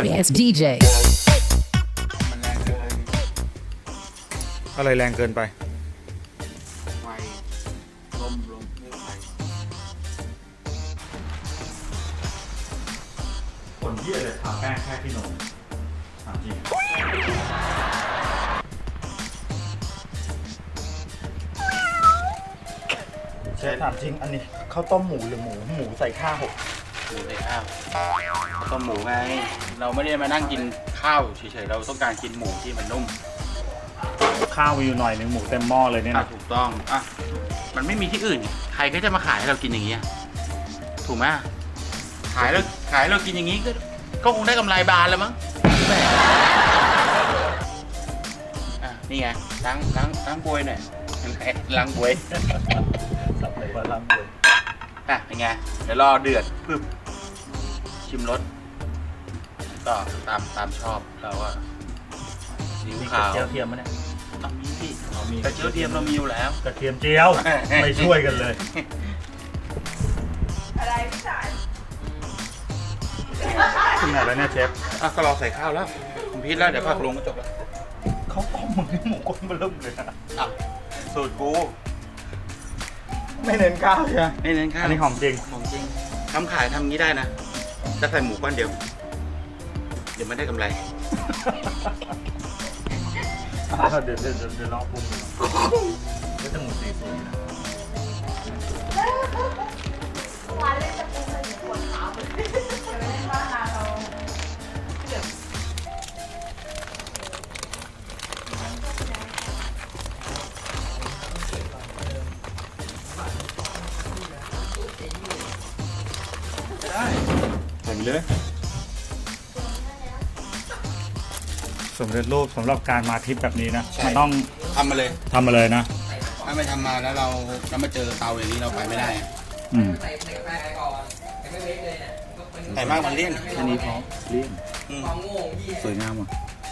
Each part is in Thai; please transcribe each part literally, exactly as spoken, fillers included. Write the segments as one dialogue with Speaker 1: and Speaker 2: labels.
Speaker 1: sorry ass ดี เจ
Speaker 2: อะไรแรงเกินไป
Speaker 3: ไฟลมลมไม่ไฟ
Speaker 2: คนเยี่ยเลยทาแป้งแค่ที่นมถามจริงเชฟถามจริงอันนี้ข้าวต้มหมูหรือหมูหมูใส่ข้าว
Speaker 3: หมูใส่ข้าวต้มหมูไงเราไม่ได้มานั่งกินข้าวเฉยๆเราต้องการกินหมูที่มันนุ่ม
Speaker 2: ข้าวมีอยู่หน่อยหนึ่งหมูเต็มหม้อเลยเนี่ย
Speaker 3: อ่ะ
Speaker 2: นะ
Speaker 3: ถูกต้องอ่ะมันไม่มีที่อื่นใครก็จะมาขายให้เรากินอย่างเงี้ยถูกไหมขายแล้วขายเรากินอย่างงี้ก็ก็คงได้กำไรบานแล้วมั้งแหมอ่ะนี่ไงล้างล้างล้างบวยหน่อยล้างบวย
Speaker 2: สับเลยว่าล้างเลย
Speaker 3: อ่ะเป็นไงเดี๋ยวรอเดือดปึ๊บชิมรสก็ตามตามชอบเราอะซีอิ๊ว
Speaker 2: มีก
Speaker 3: ขา
Speaker 2: ระ
Speaker 3: ว
Speaker 2: เจียวเทียมไหมเนี่ย
Speaker 3: ต้องมีพี่
Speaker 2: เอามี
Speaker 3: กระเจียวเทียมเรามีอยู่แล้ว
Speaker 2: กระเทียมเจียวไม่ช่วยกันเลย
Speaker 4: อะไรพี่สาย
Speaker 2: ถึงไหนแล้วเนี่ยเชฟ
Speaker 3: อ่ะก็รอใส่ข้าวแล้วผมพิดแล้วเดี๋ยวผักลงก็จบแล้ว
Speaker 2: เขาต้มมึงให้หมูก้นมาเริ่มเลยนะ
Speaker 3: อ่ะสูตรกู
Speaker 2: ไม่เน้นข้าวใช่ไหม
Speaker 3: ไม่เน้นข้าว
Speaker 2: อันนี้หอมจริง
Speaker 3: ของจริงทำขายทำงี้ได้นะจะใส่หมูก้อนเดียว เดี๋ยวมันได้กำไร
Speaker 2: เดี๋ยวเดี๋ยวเดี๋ยวเดี๋ยวรอปรุงก็จะหมูสีสวยนะ
Speaker 4: วันเล่นจะปูเป็นหัวขาวเลยจะไม่เล่นบ้านนาเราเดือด
Speaker 2: ใส่ไปเลยสำเร็จรูปสำหรับการมาทริปแบบนี้นะ
Speaker 3: ใช่
Speaker 2: มันต้อง
Speaker 3: ทำมาเลย
Speaker 2: ทำมาเลยนะ
Speaker 3: ถ้าไม่ทำมาแล้วเราแล้วมาเจอเตาอย่างนี้เราไปไม่ได้อะ
Speaker 2: อืม
Speaker 3: ใส่มากมันเลี่ยน
Speaker 2: อันนี้พอเลี่ยน
Speaker 3: อืม
Speaker 2: สวยงามอ่ะ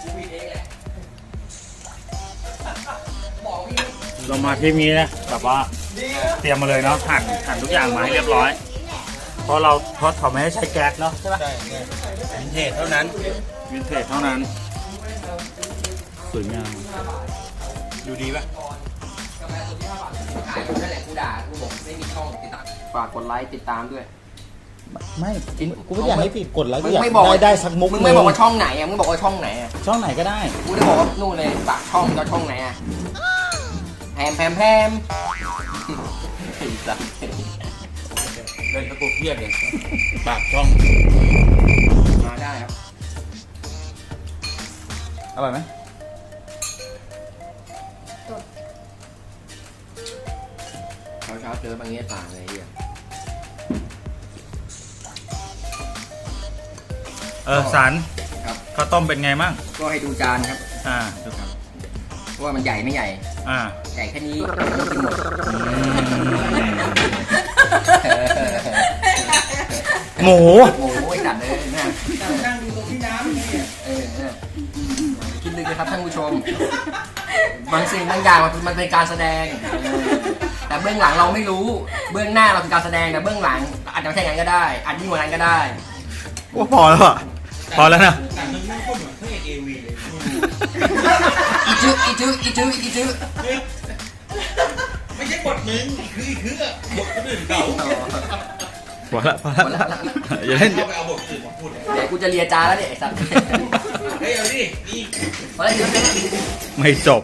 Speaker 2: เรามาทริปนี้นะแบบว่าเตรียมมาเลยเนาะหั่นหั่นทุกอย่างมาให้เรียบร้อย เพราะเราเพราะเขาไม่ให้ใช้แก๊สเนาะใช่ปะ
Speaker 3: ใช่ใช่วินเทจเท่านั้น
Speaker 2: วินเทจเท่านั้นสวยงาม
Speaker 3: ดูดีป่ะ
Speaker 5: ขายนั่นแหละกูด่ากูบอกไม่มีช่องติดตามฝากกดไลค์ติดตามด้วย
Speaker 6: ไม่กูไม่อยากให้ผิดกฎแล้ว
Speaker 5: มึ
Speaker 6: กู
Speaker 5: ง
Speaker 6: อยาก
Speaker 5: ไม่บอก
Speaker 6: ได้ได้สักมุก
Speaker 5: มึง
Speaker 6: ห
Speaker 5: ไม่
Speaker 6: นึ่ง
Speaker 5: บอกว่าช่องไหนอ่ะมึงบอกว่าช่องไหนอ่ะ
Speaker 6: ช่องไหนก็ได้
Speaker 5: กูจะบอกว่านู่นเลยฝากช่องจะช่องไหนอ่ะแพมแพมแพมไอ้สัส
Speaker 3: เล่นตะกุกเครียดเลยปากช่อง
Speaker 5: มาได้ครับ
Speaker 6: อร่อยไหม
Speaker 5: เช้าเช้าๆเจอบางเงี้ยต่างเลยไอ้เหี้ย
Speaker 2: เออสัน
Speaker 5: ครับ
Speaker 2: ข้าวต้มเป็นไงมั่ง
Speaker 5: ก็ให้ดูจานครับ
Speaker 2: อ่าดูครับ
Speaker 5: ว่ามันใหญ่ไม่ใหญ่
Speaker 2: อ่า
Speaker 5: ใหญ่แค่นี้ไม่กินหมด
Speaker 2: หมู
Speaker 5: โอ้ยจัดเลยนะนั่งดูตรงที่น้ำนี่เออเนี่ยคิดลึกเลยครับท่านผู้ชม บางสิ่งบางอย่างมันมันเป็นการแสดงเออแต่เบื้องหลังเราไม่รู้ เบื้องหน้าเราคือการแสดงแต่เบื้องหลังอาจจะไม่ใช่อย่างนั้นก็ได้ อาจยิ่งกว่านั้นก็ได้
Speaker 2: ว่าพอแล้วอ่ะพอแล้วนะ
Speaker 3: แต่มึงไม่พูดเหมือนพระเอกเอวีเลย
Speaker 5: อีจื้ออีจื้ออีจื้ออีจื้อ
Speaker 3: ไม่ใช่บทมึงคือคือบทคนอื่นเขา
Speaker 2: พอแล้วพอแล้วอย่าเล่น
Speaker 3: เขาไปเอาบทอื่นมาพูด
Speaker 5: เดี๋ยวกูจะเลียจานแล้วเนี่ยไอ้สัตว์
Speaker 3: เฮ้ยเอาดินี่
Speaker 5: มาแล้วเดี๋ยว
Speaker 2: ไม่จบ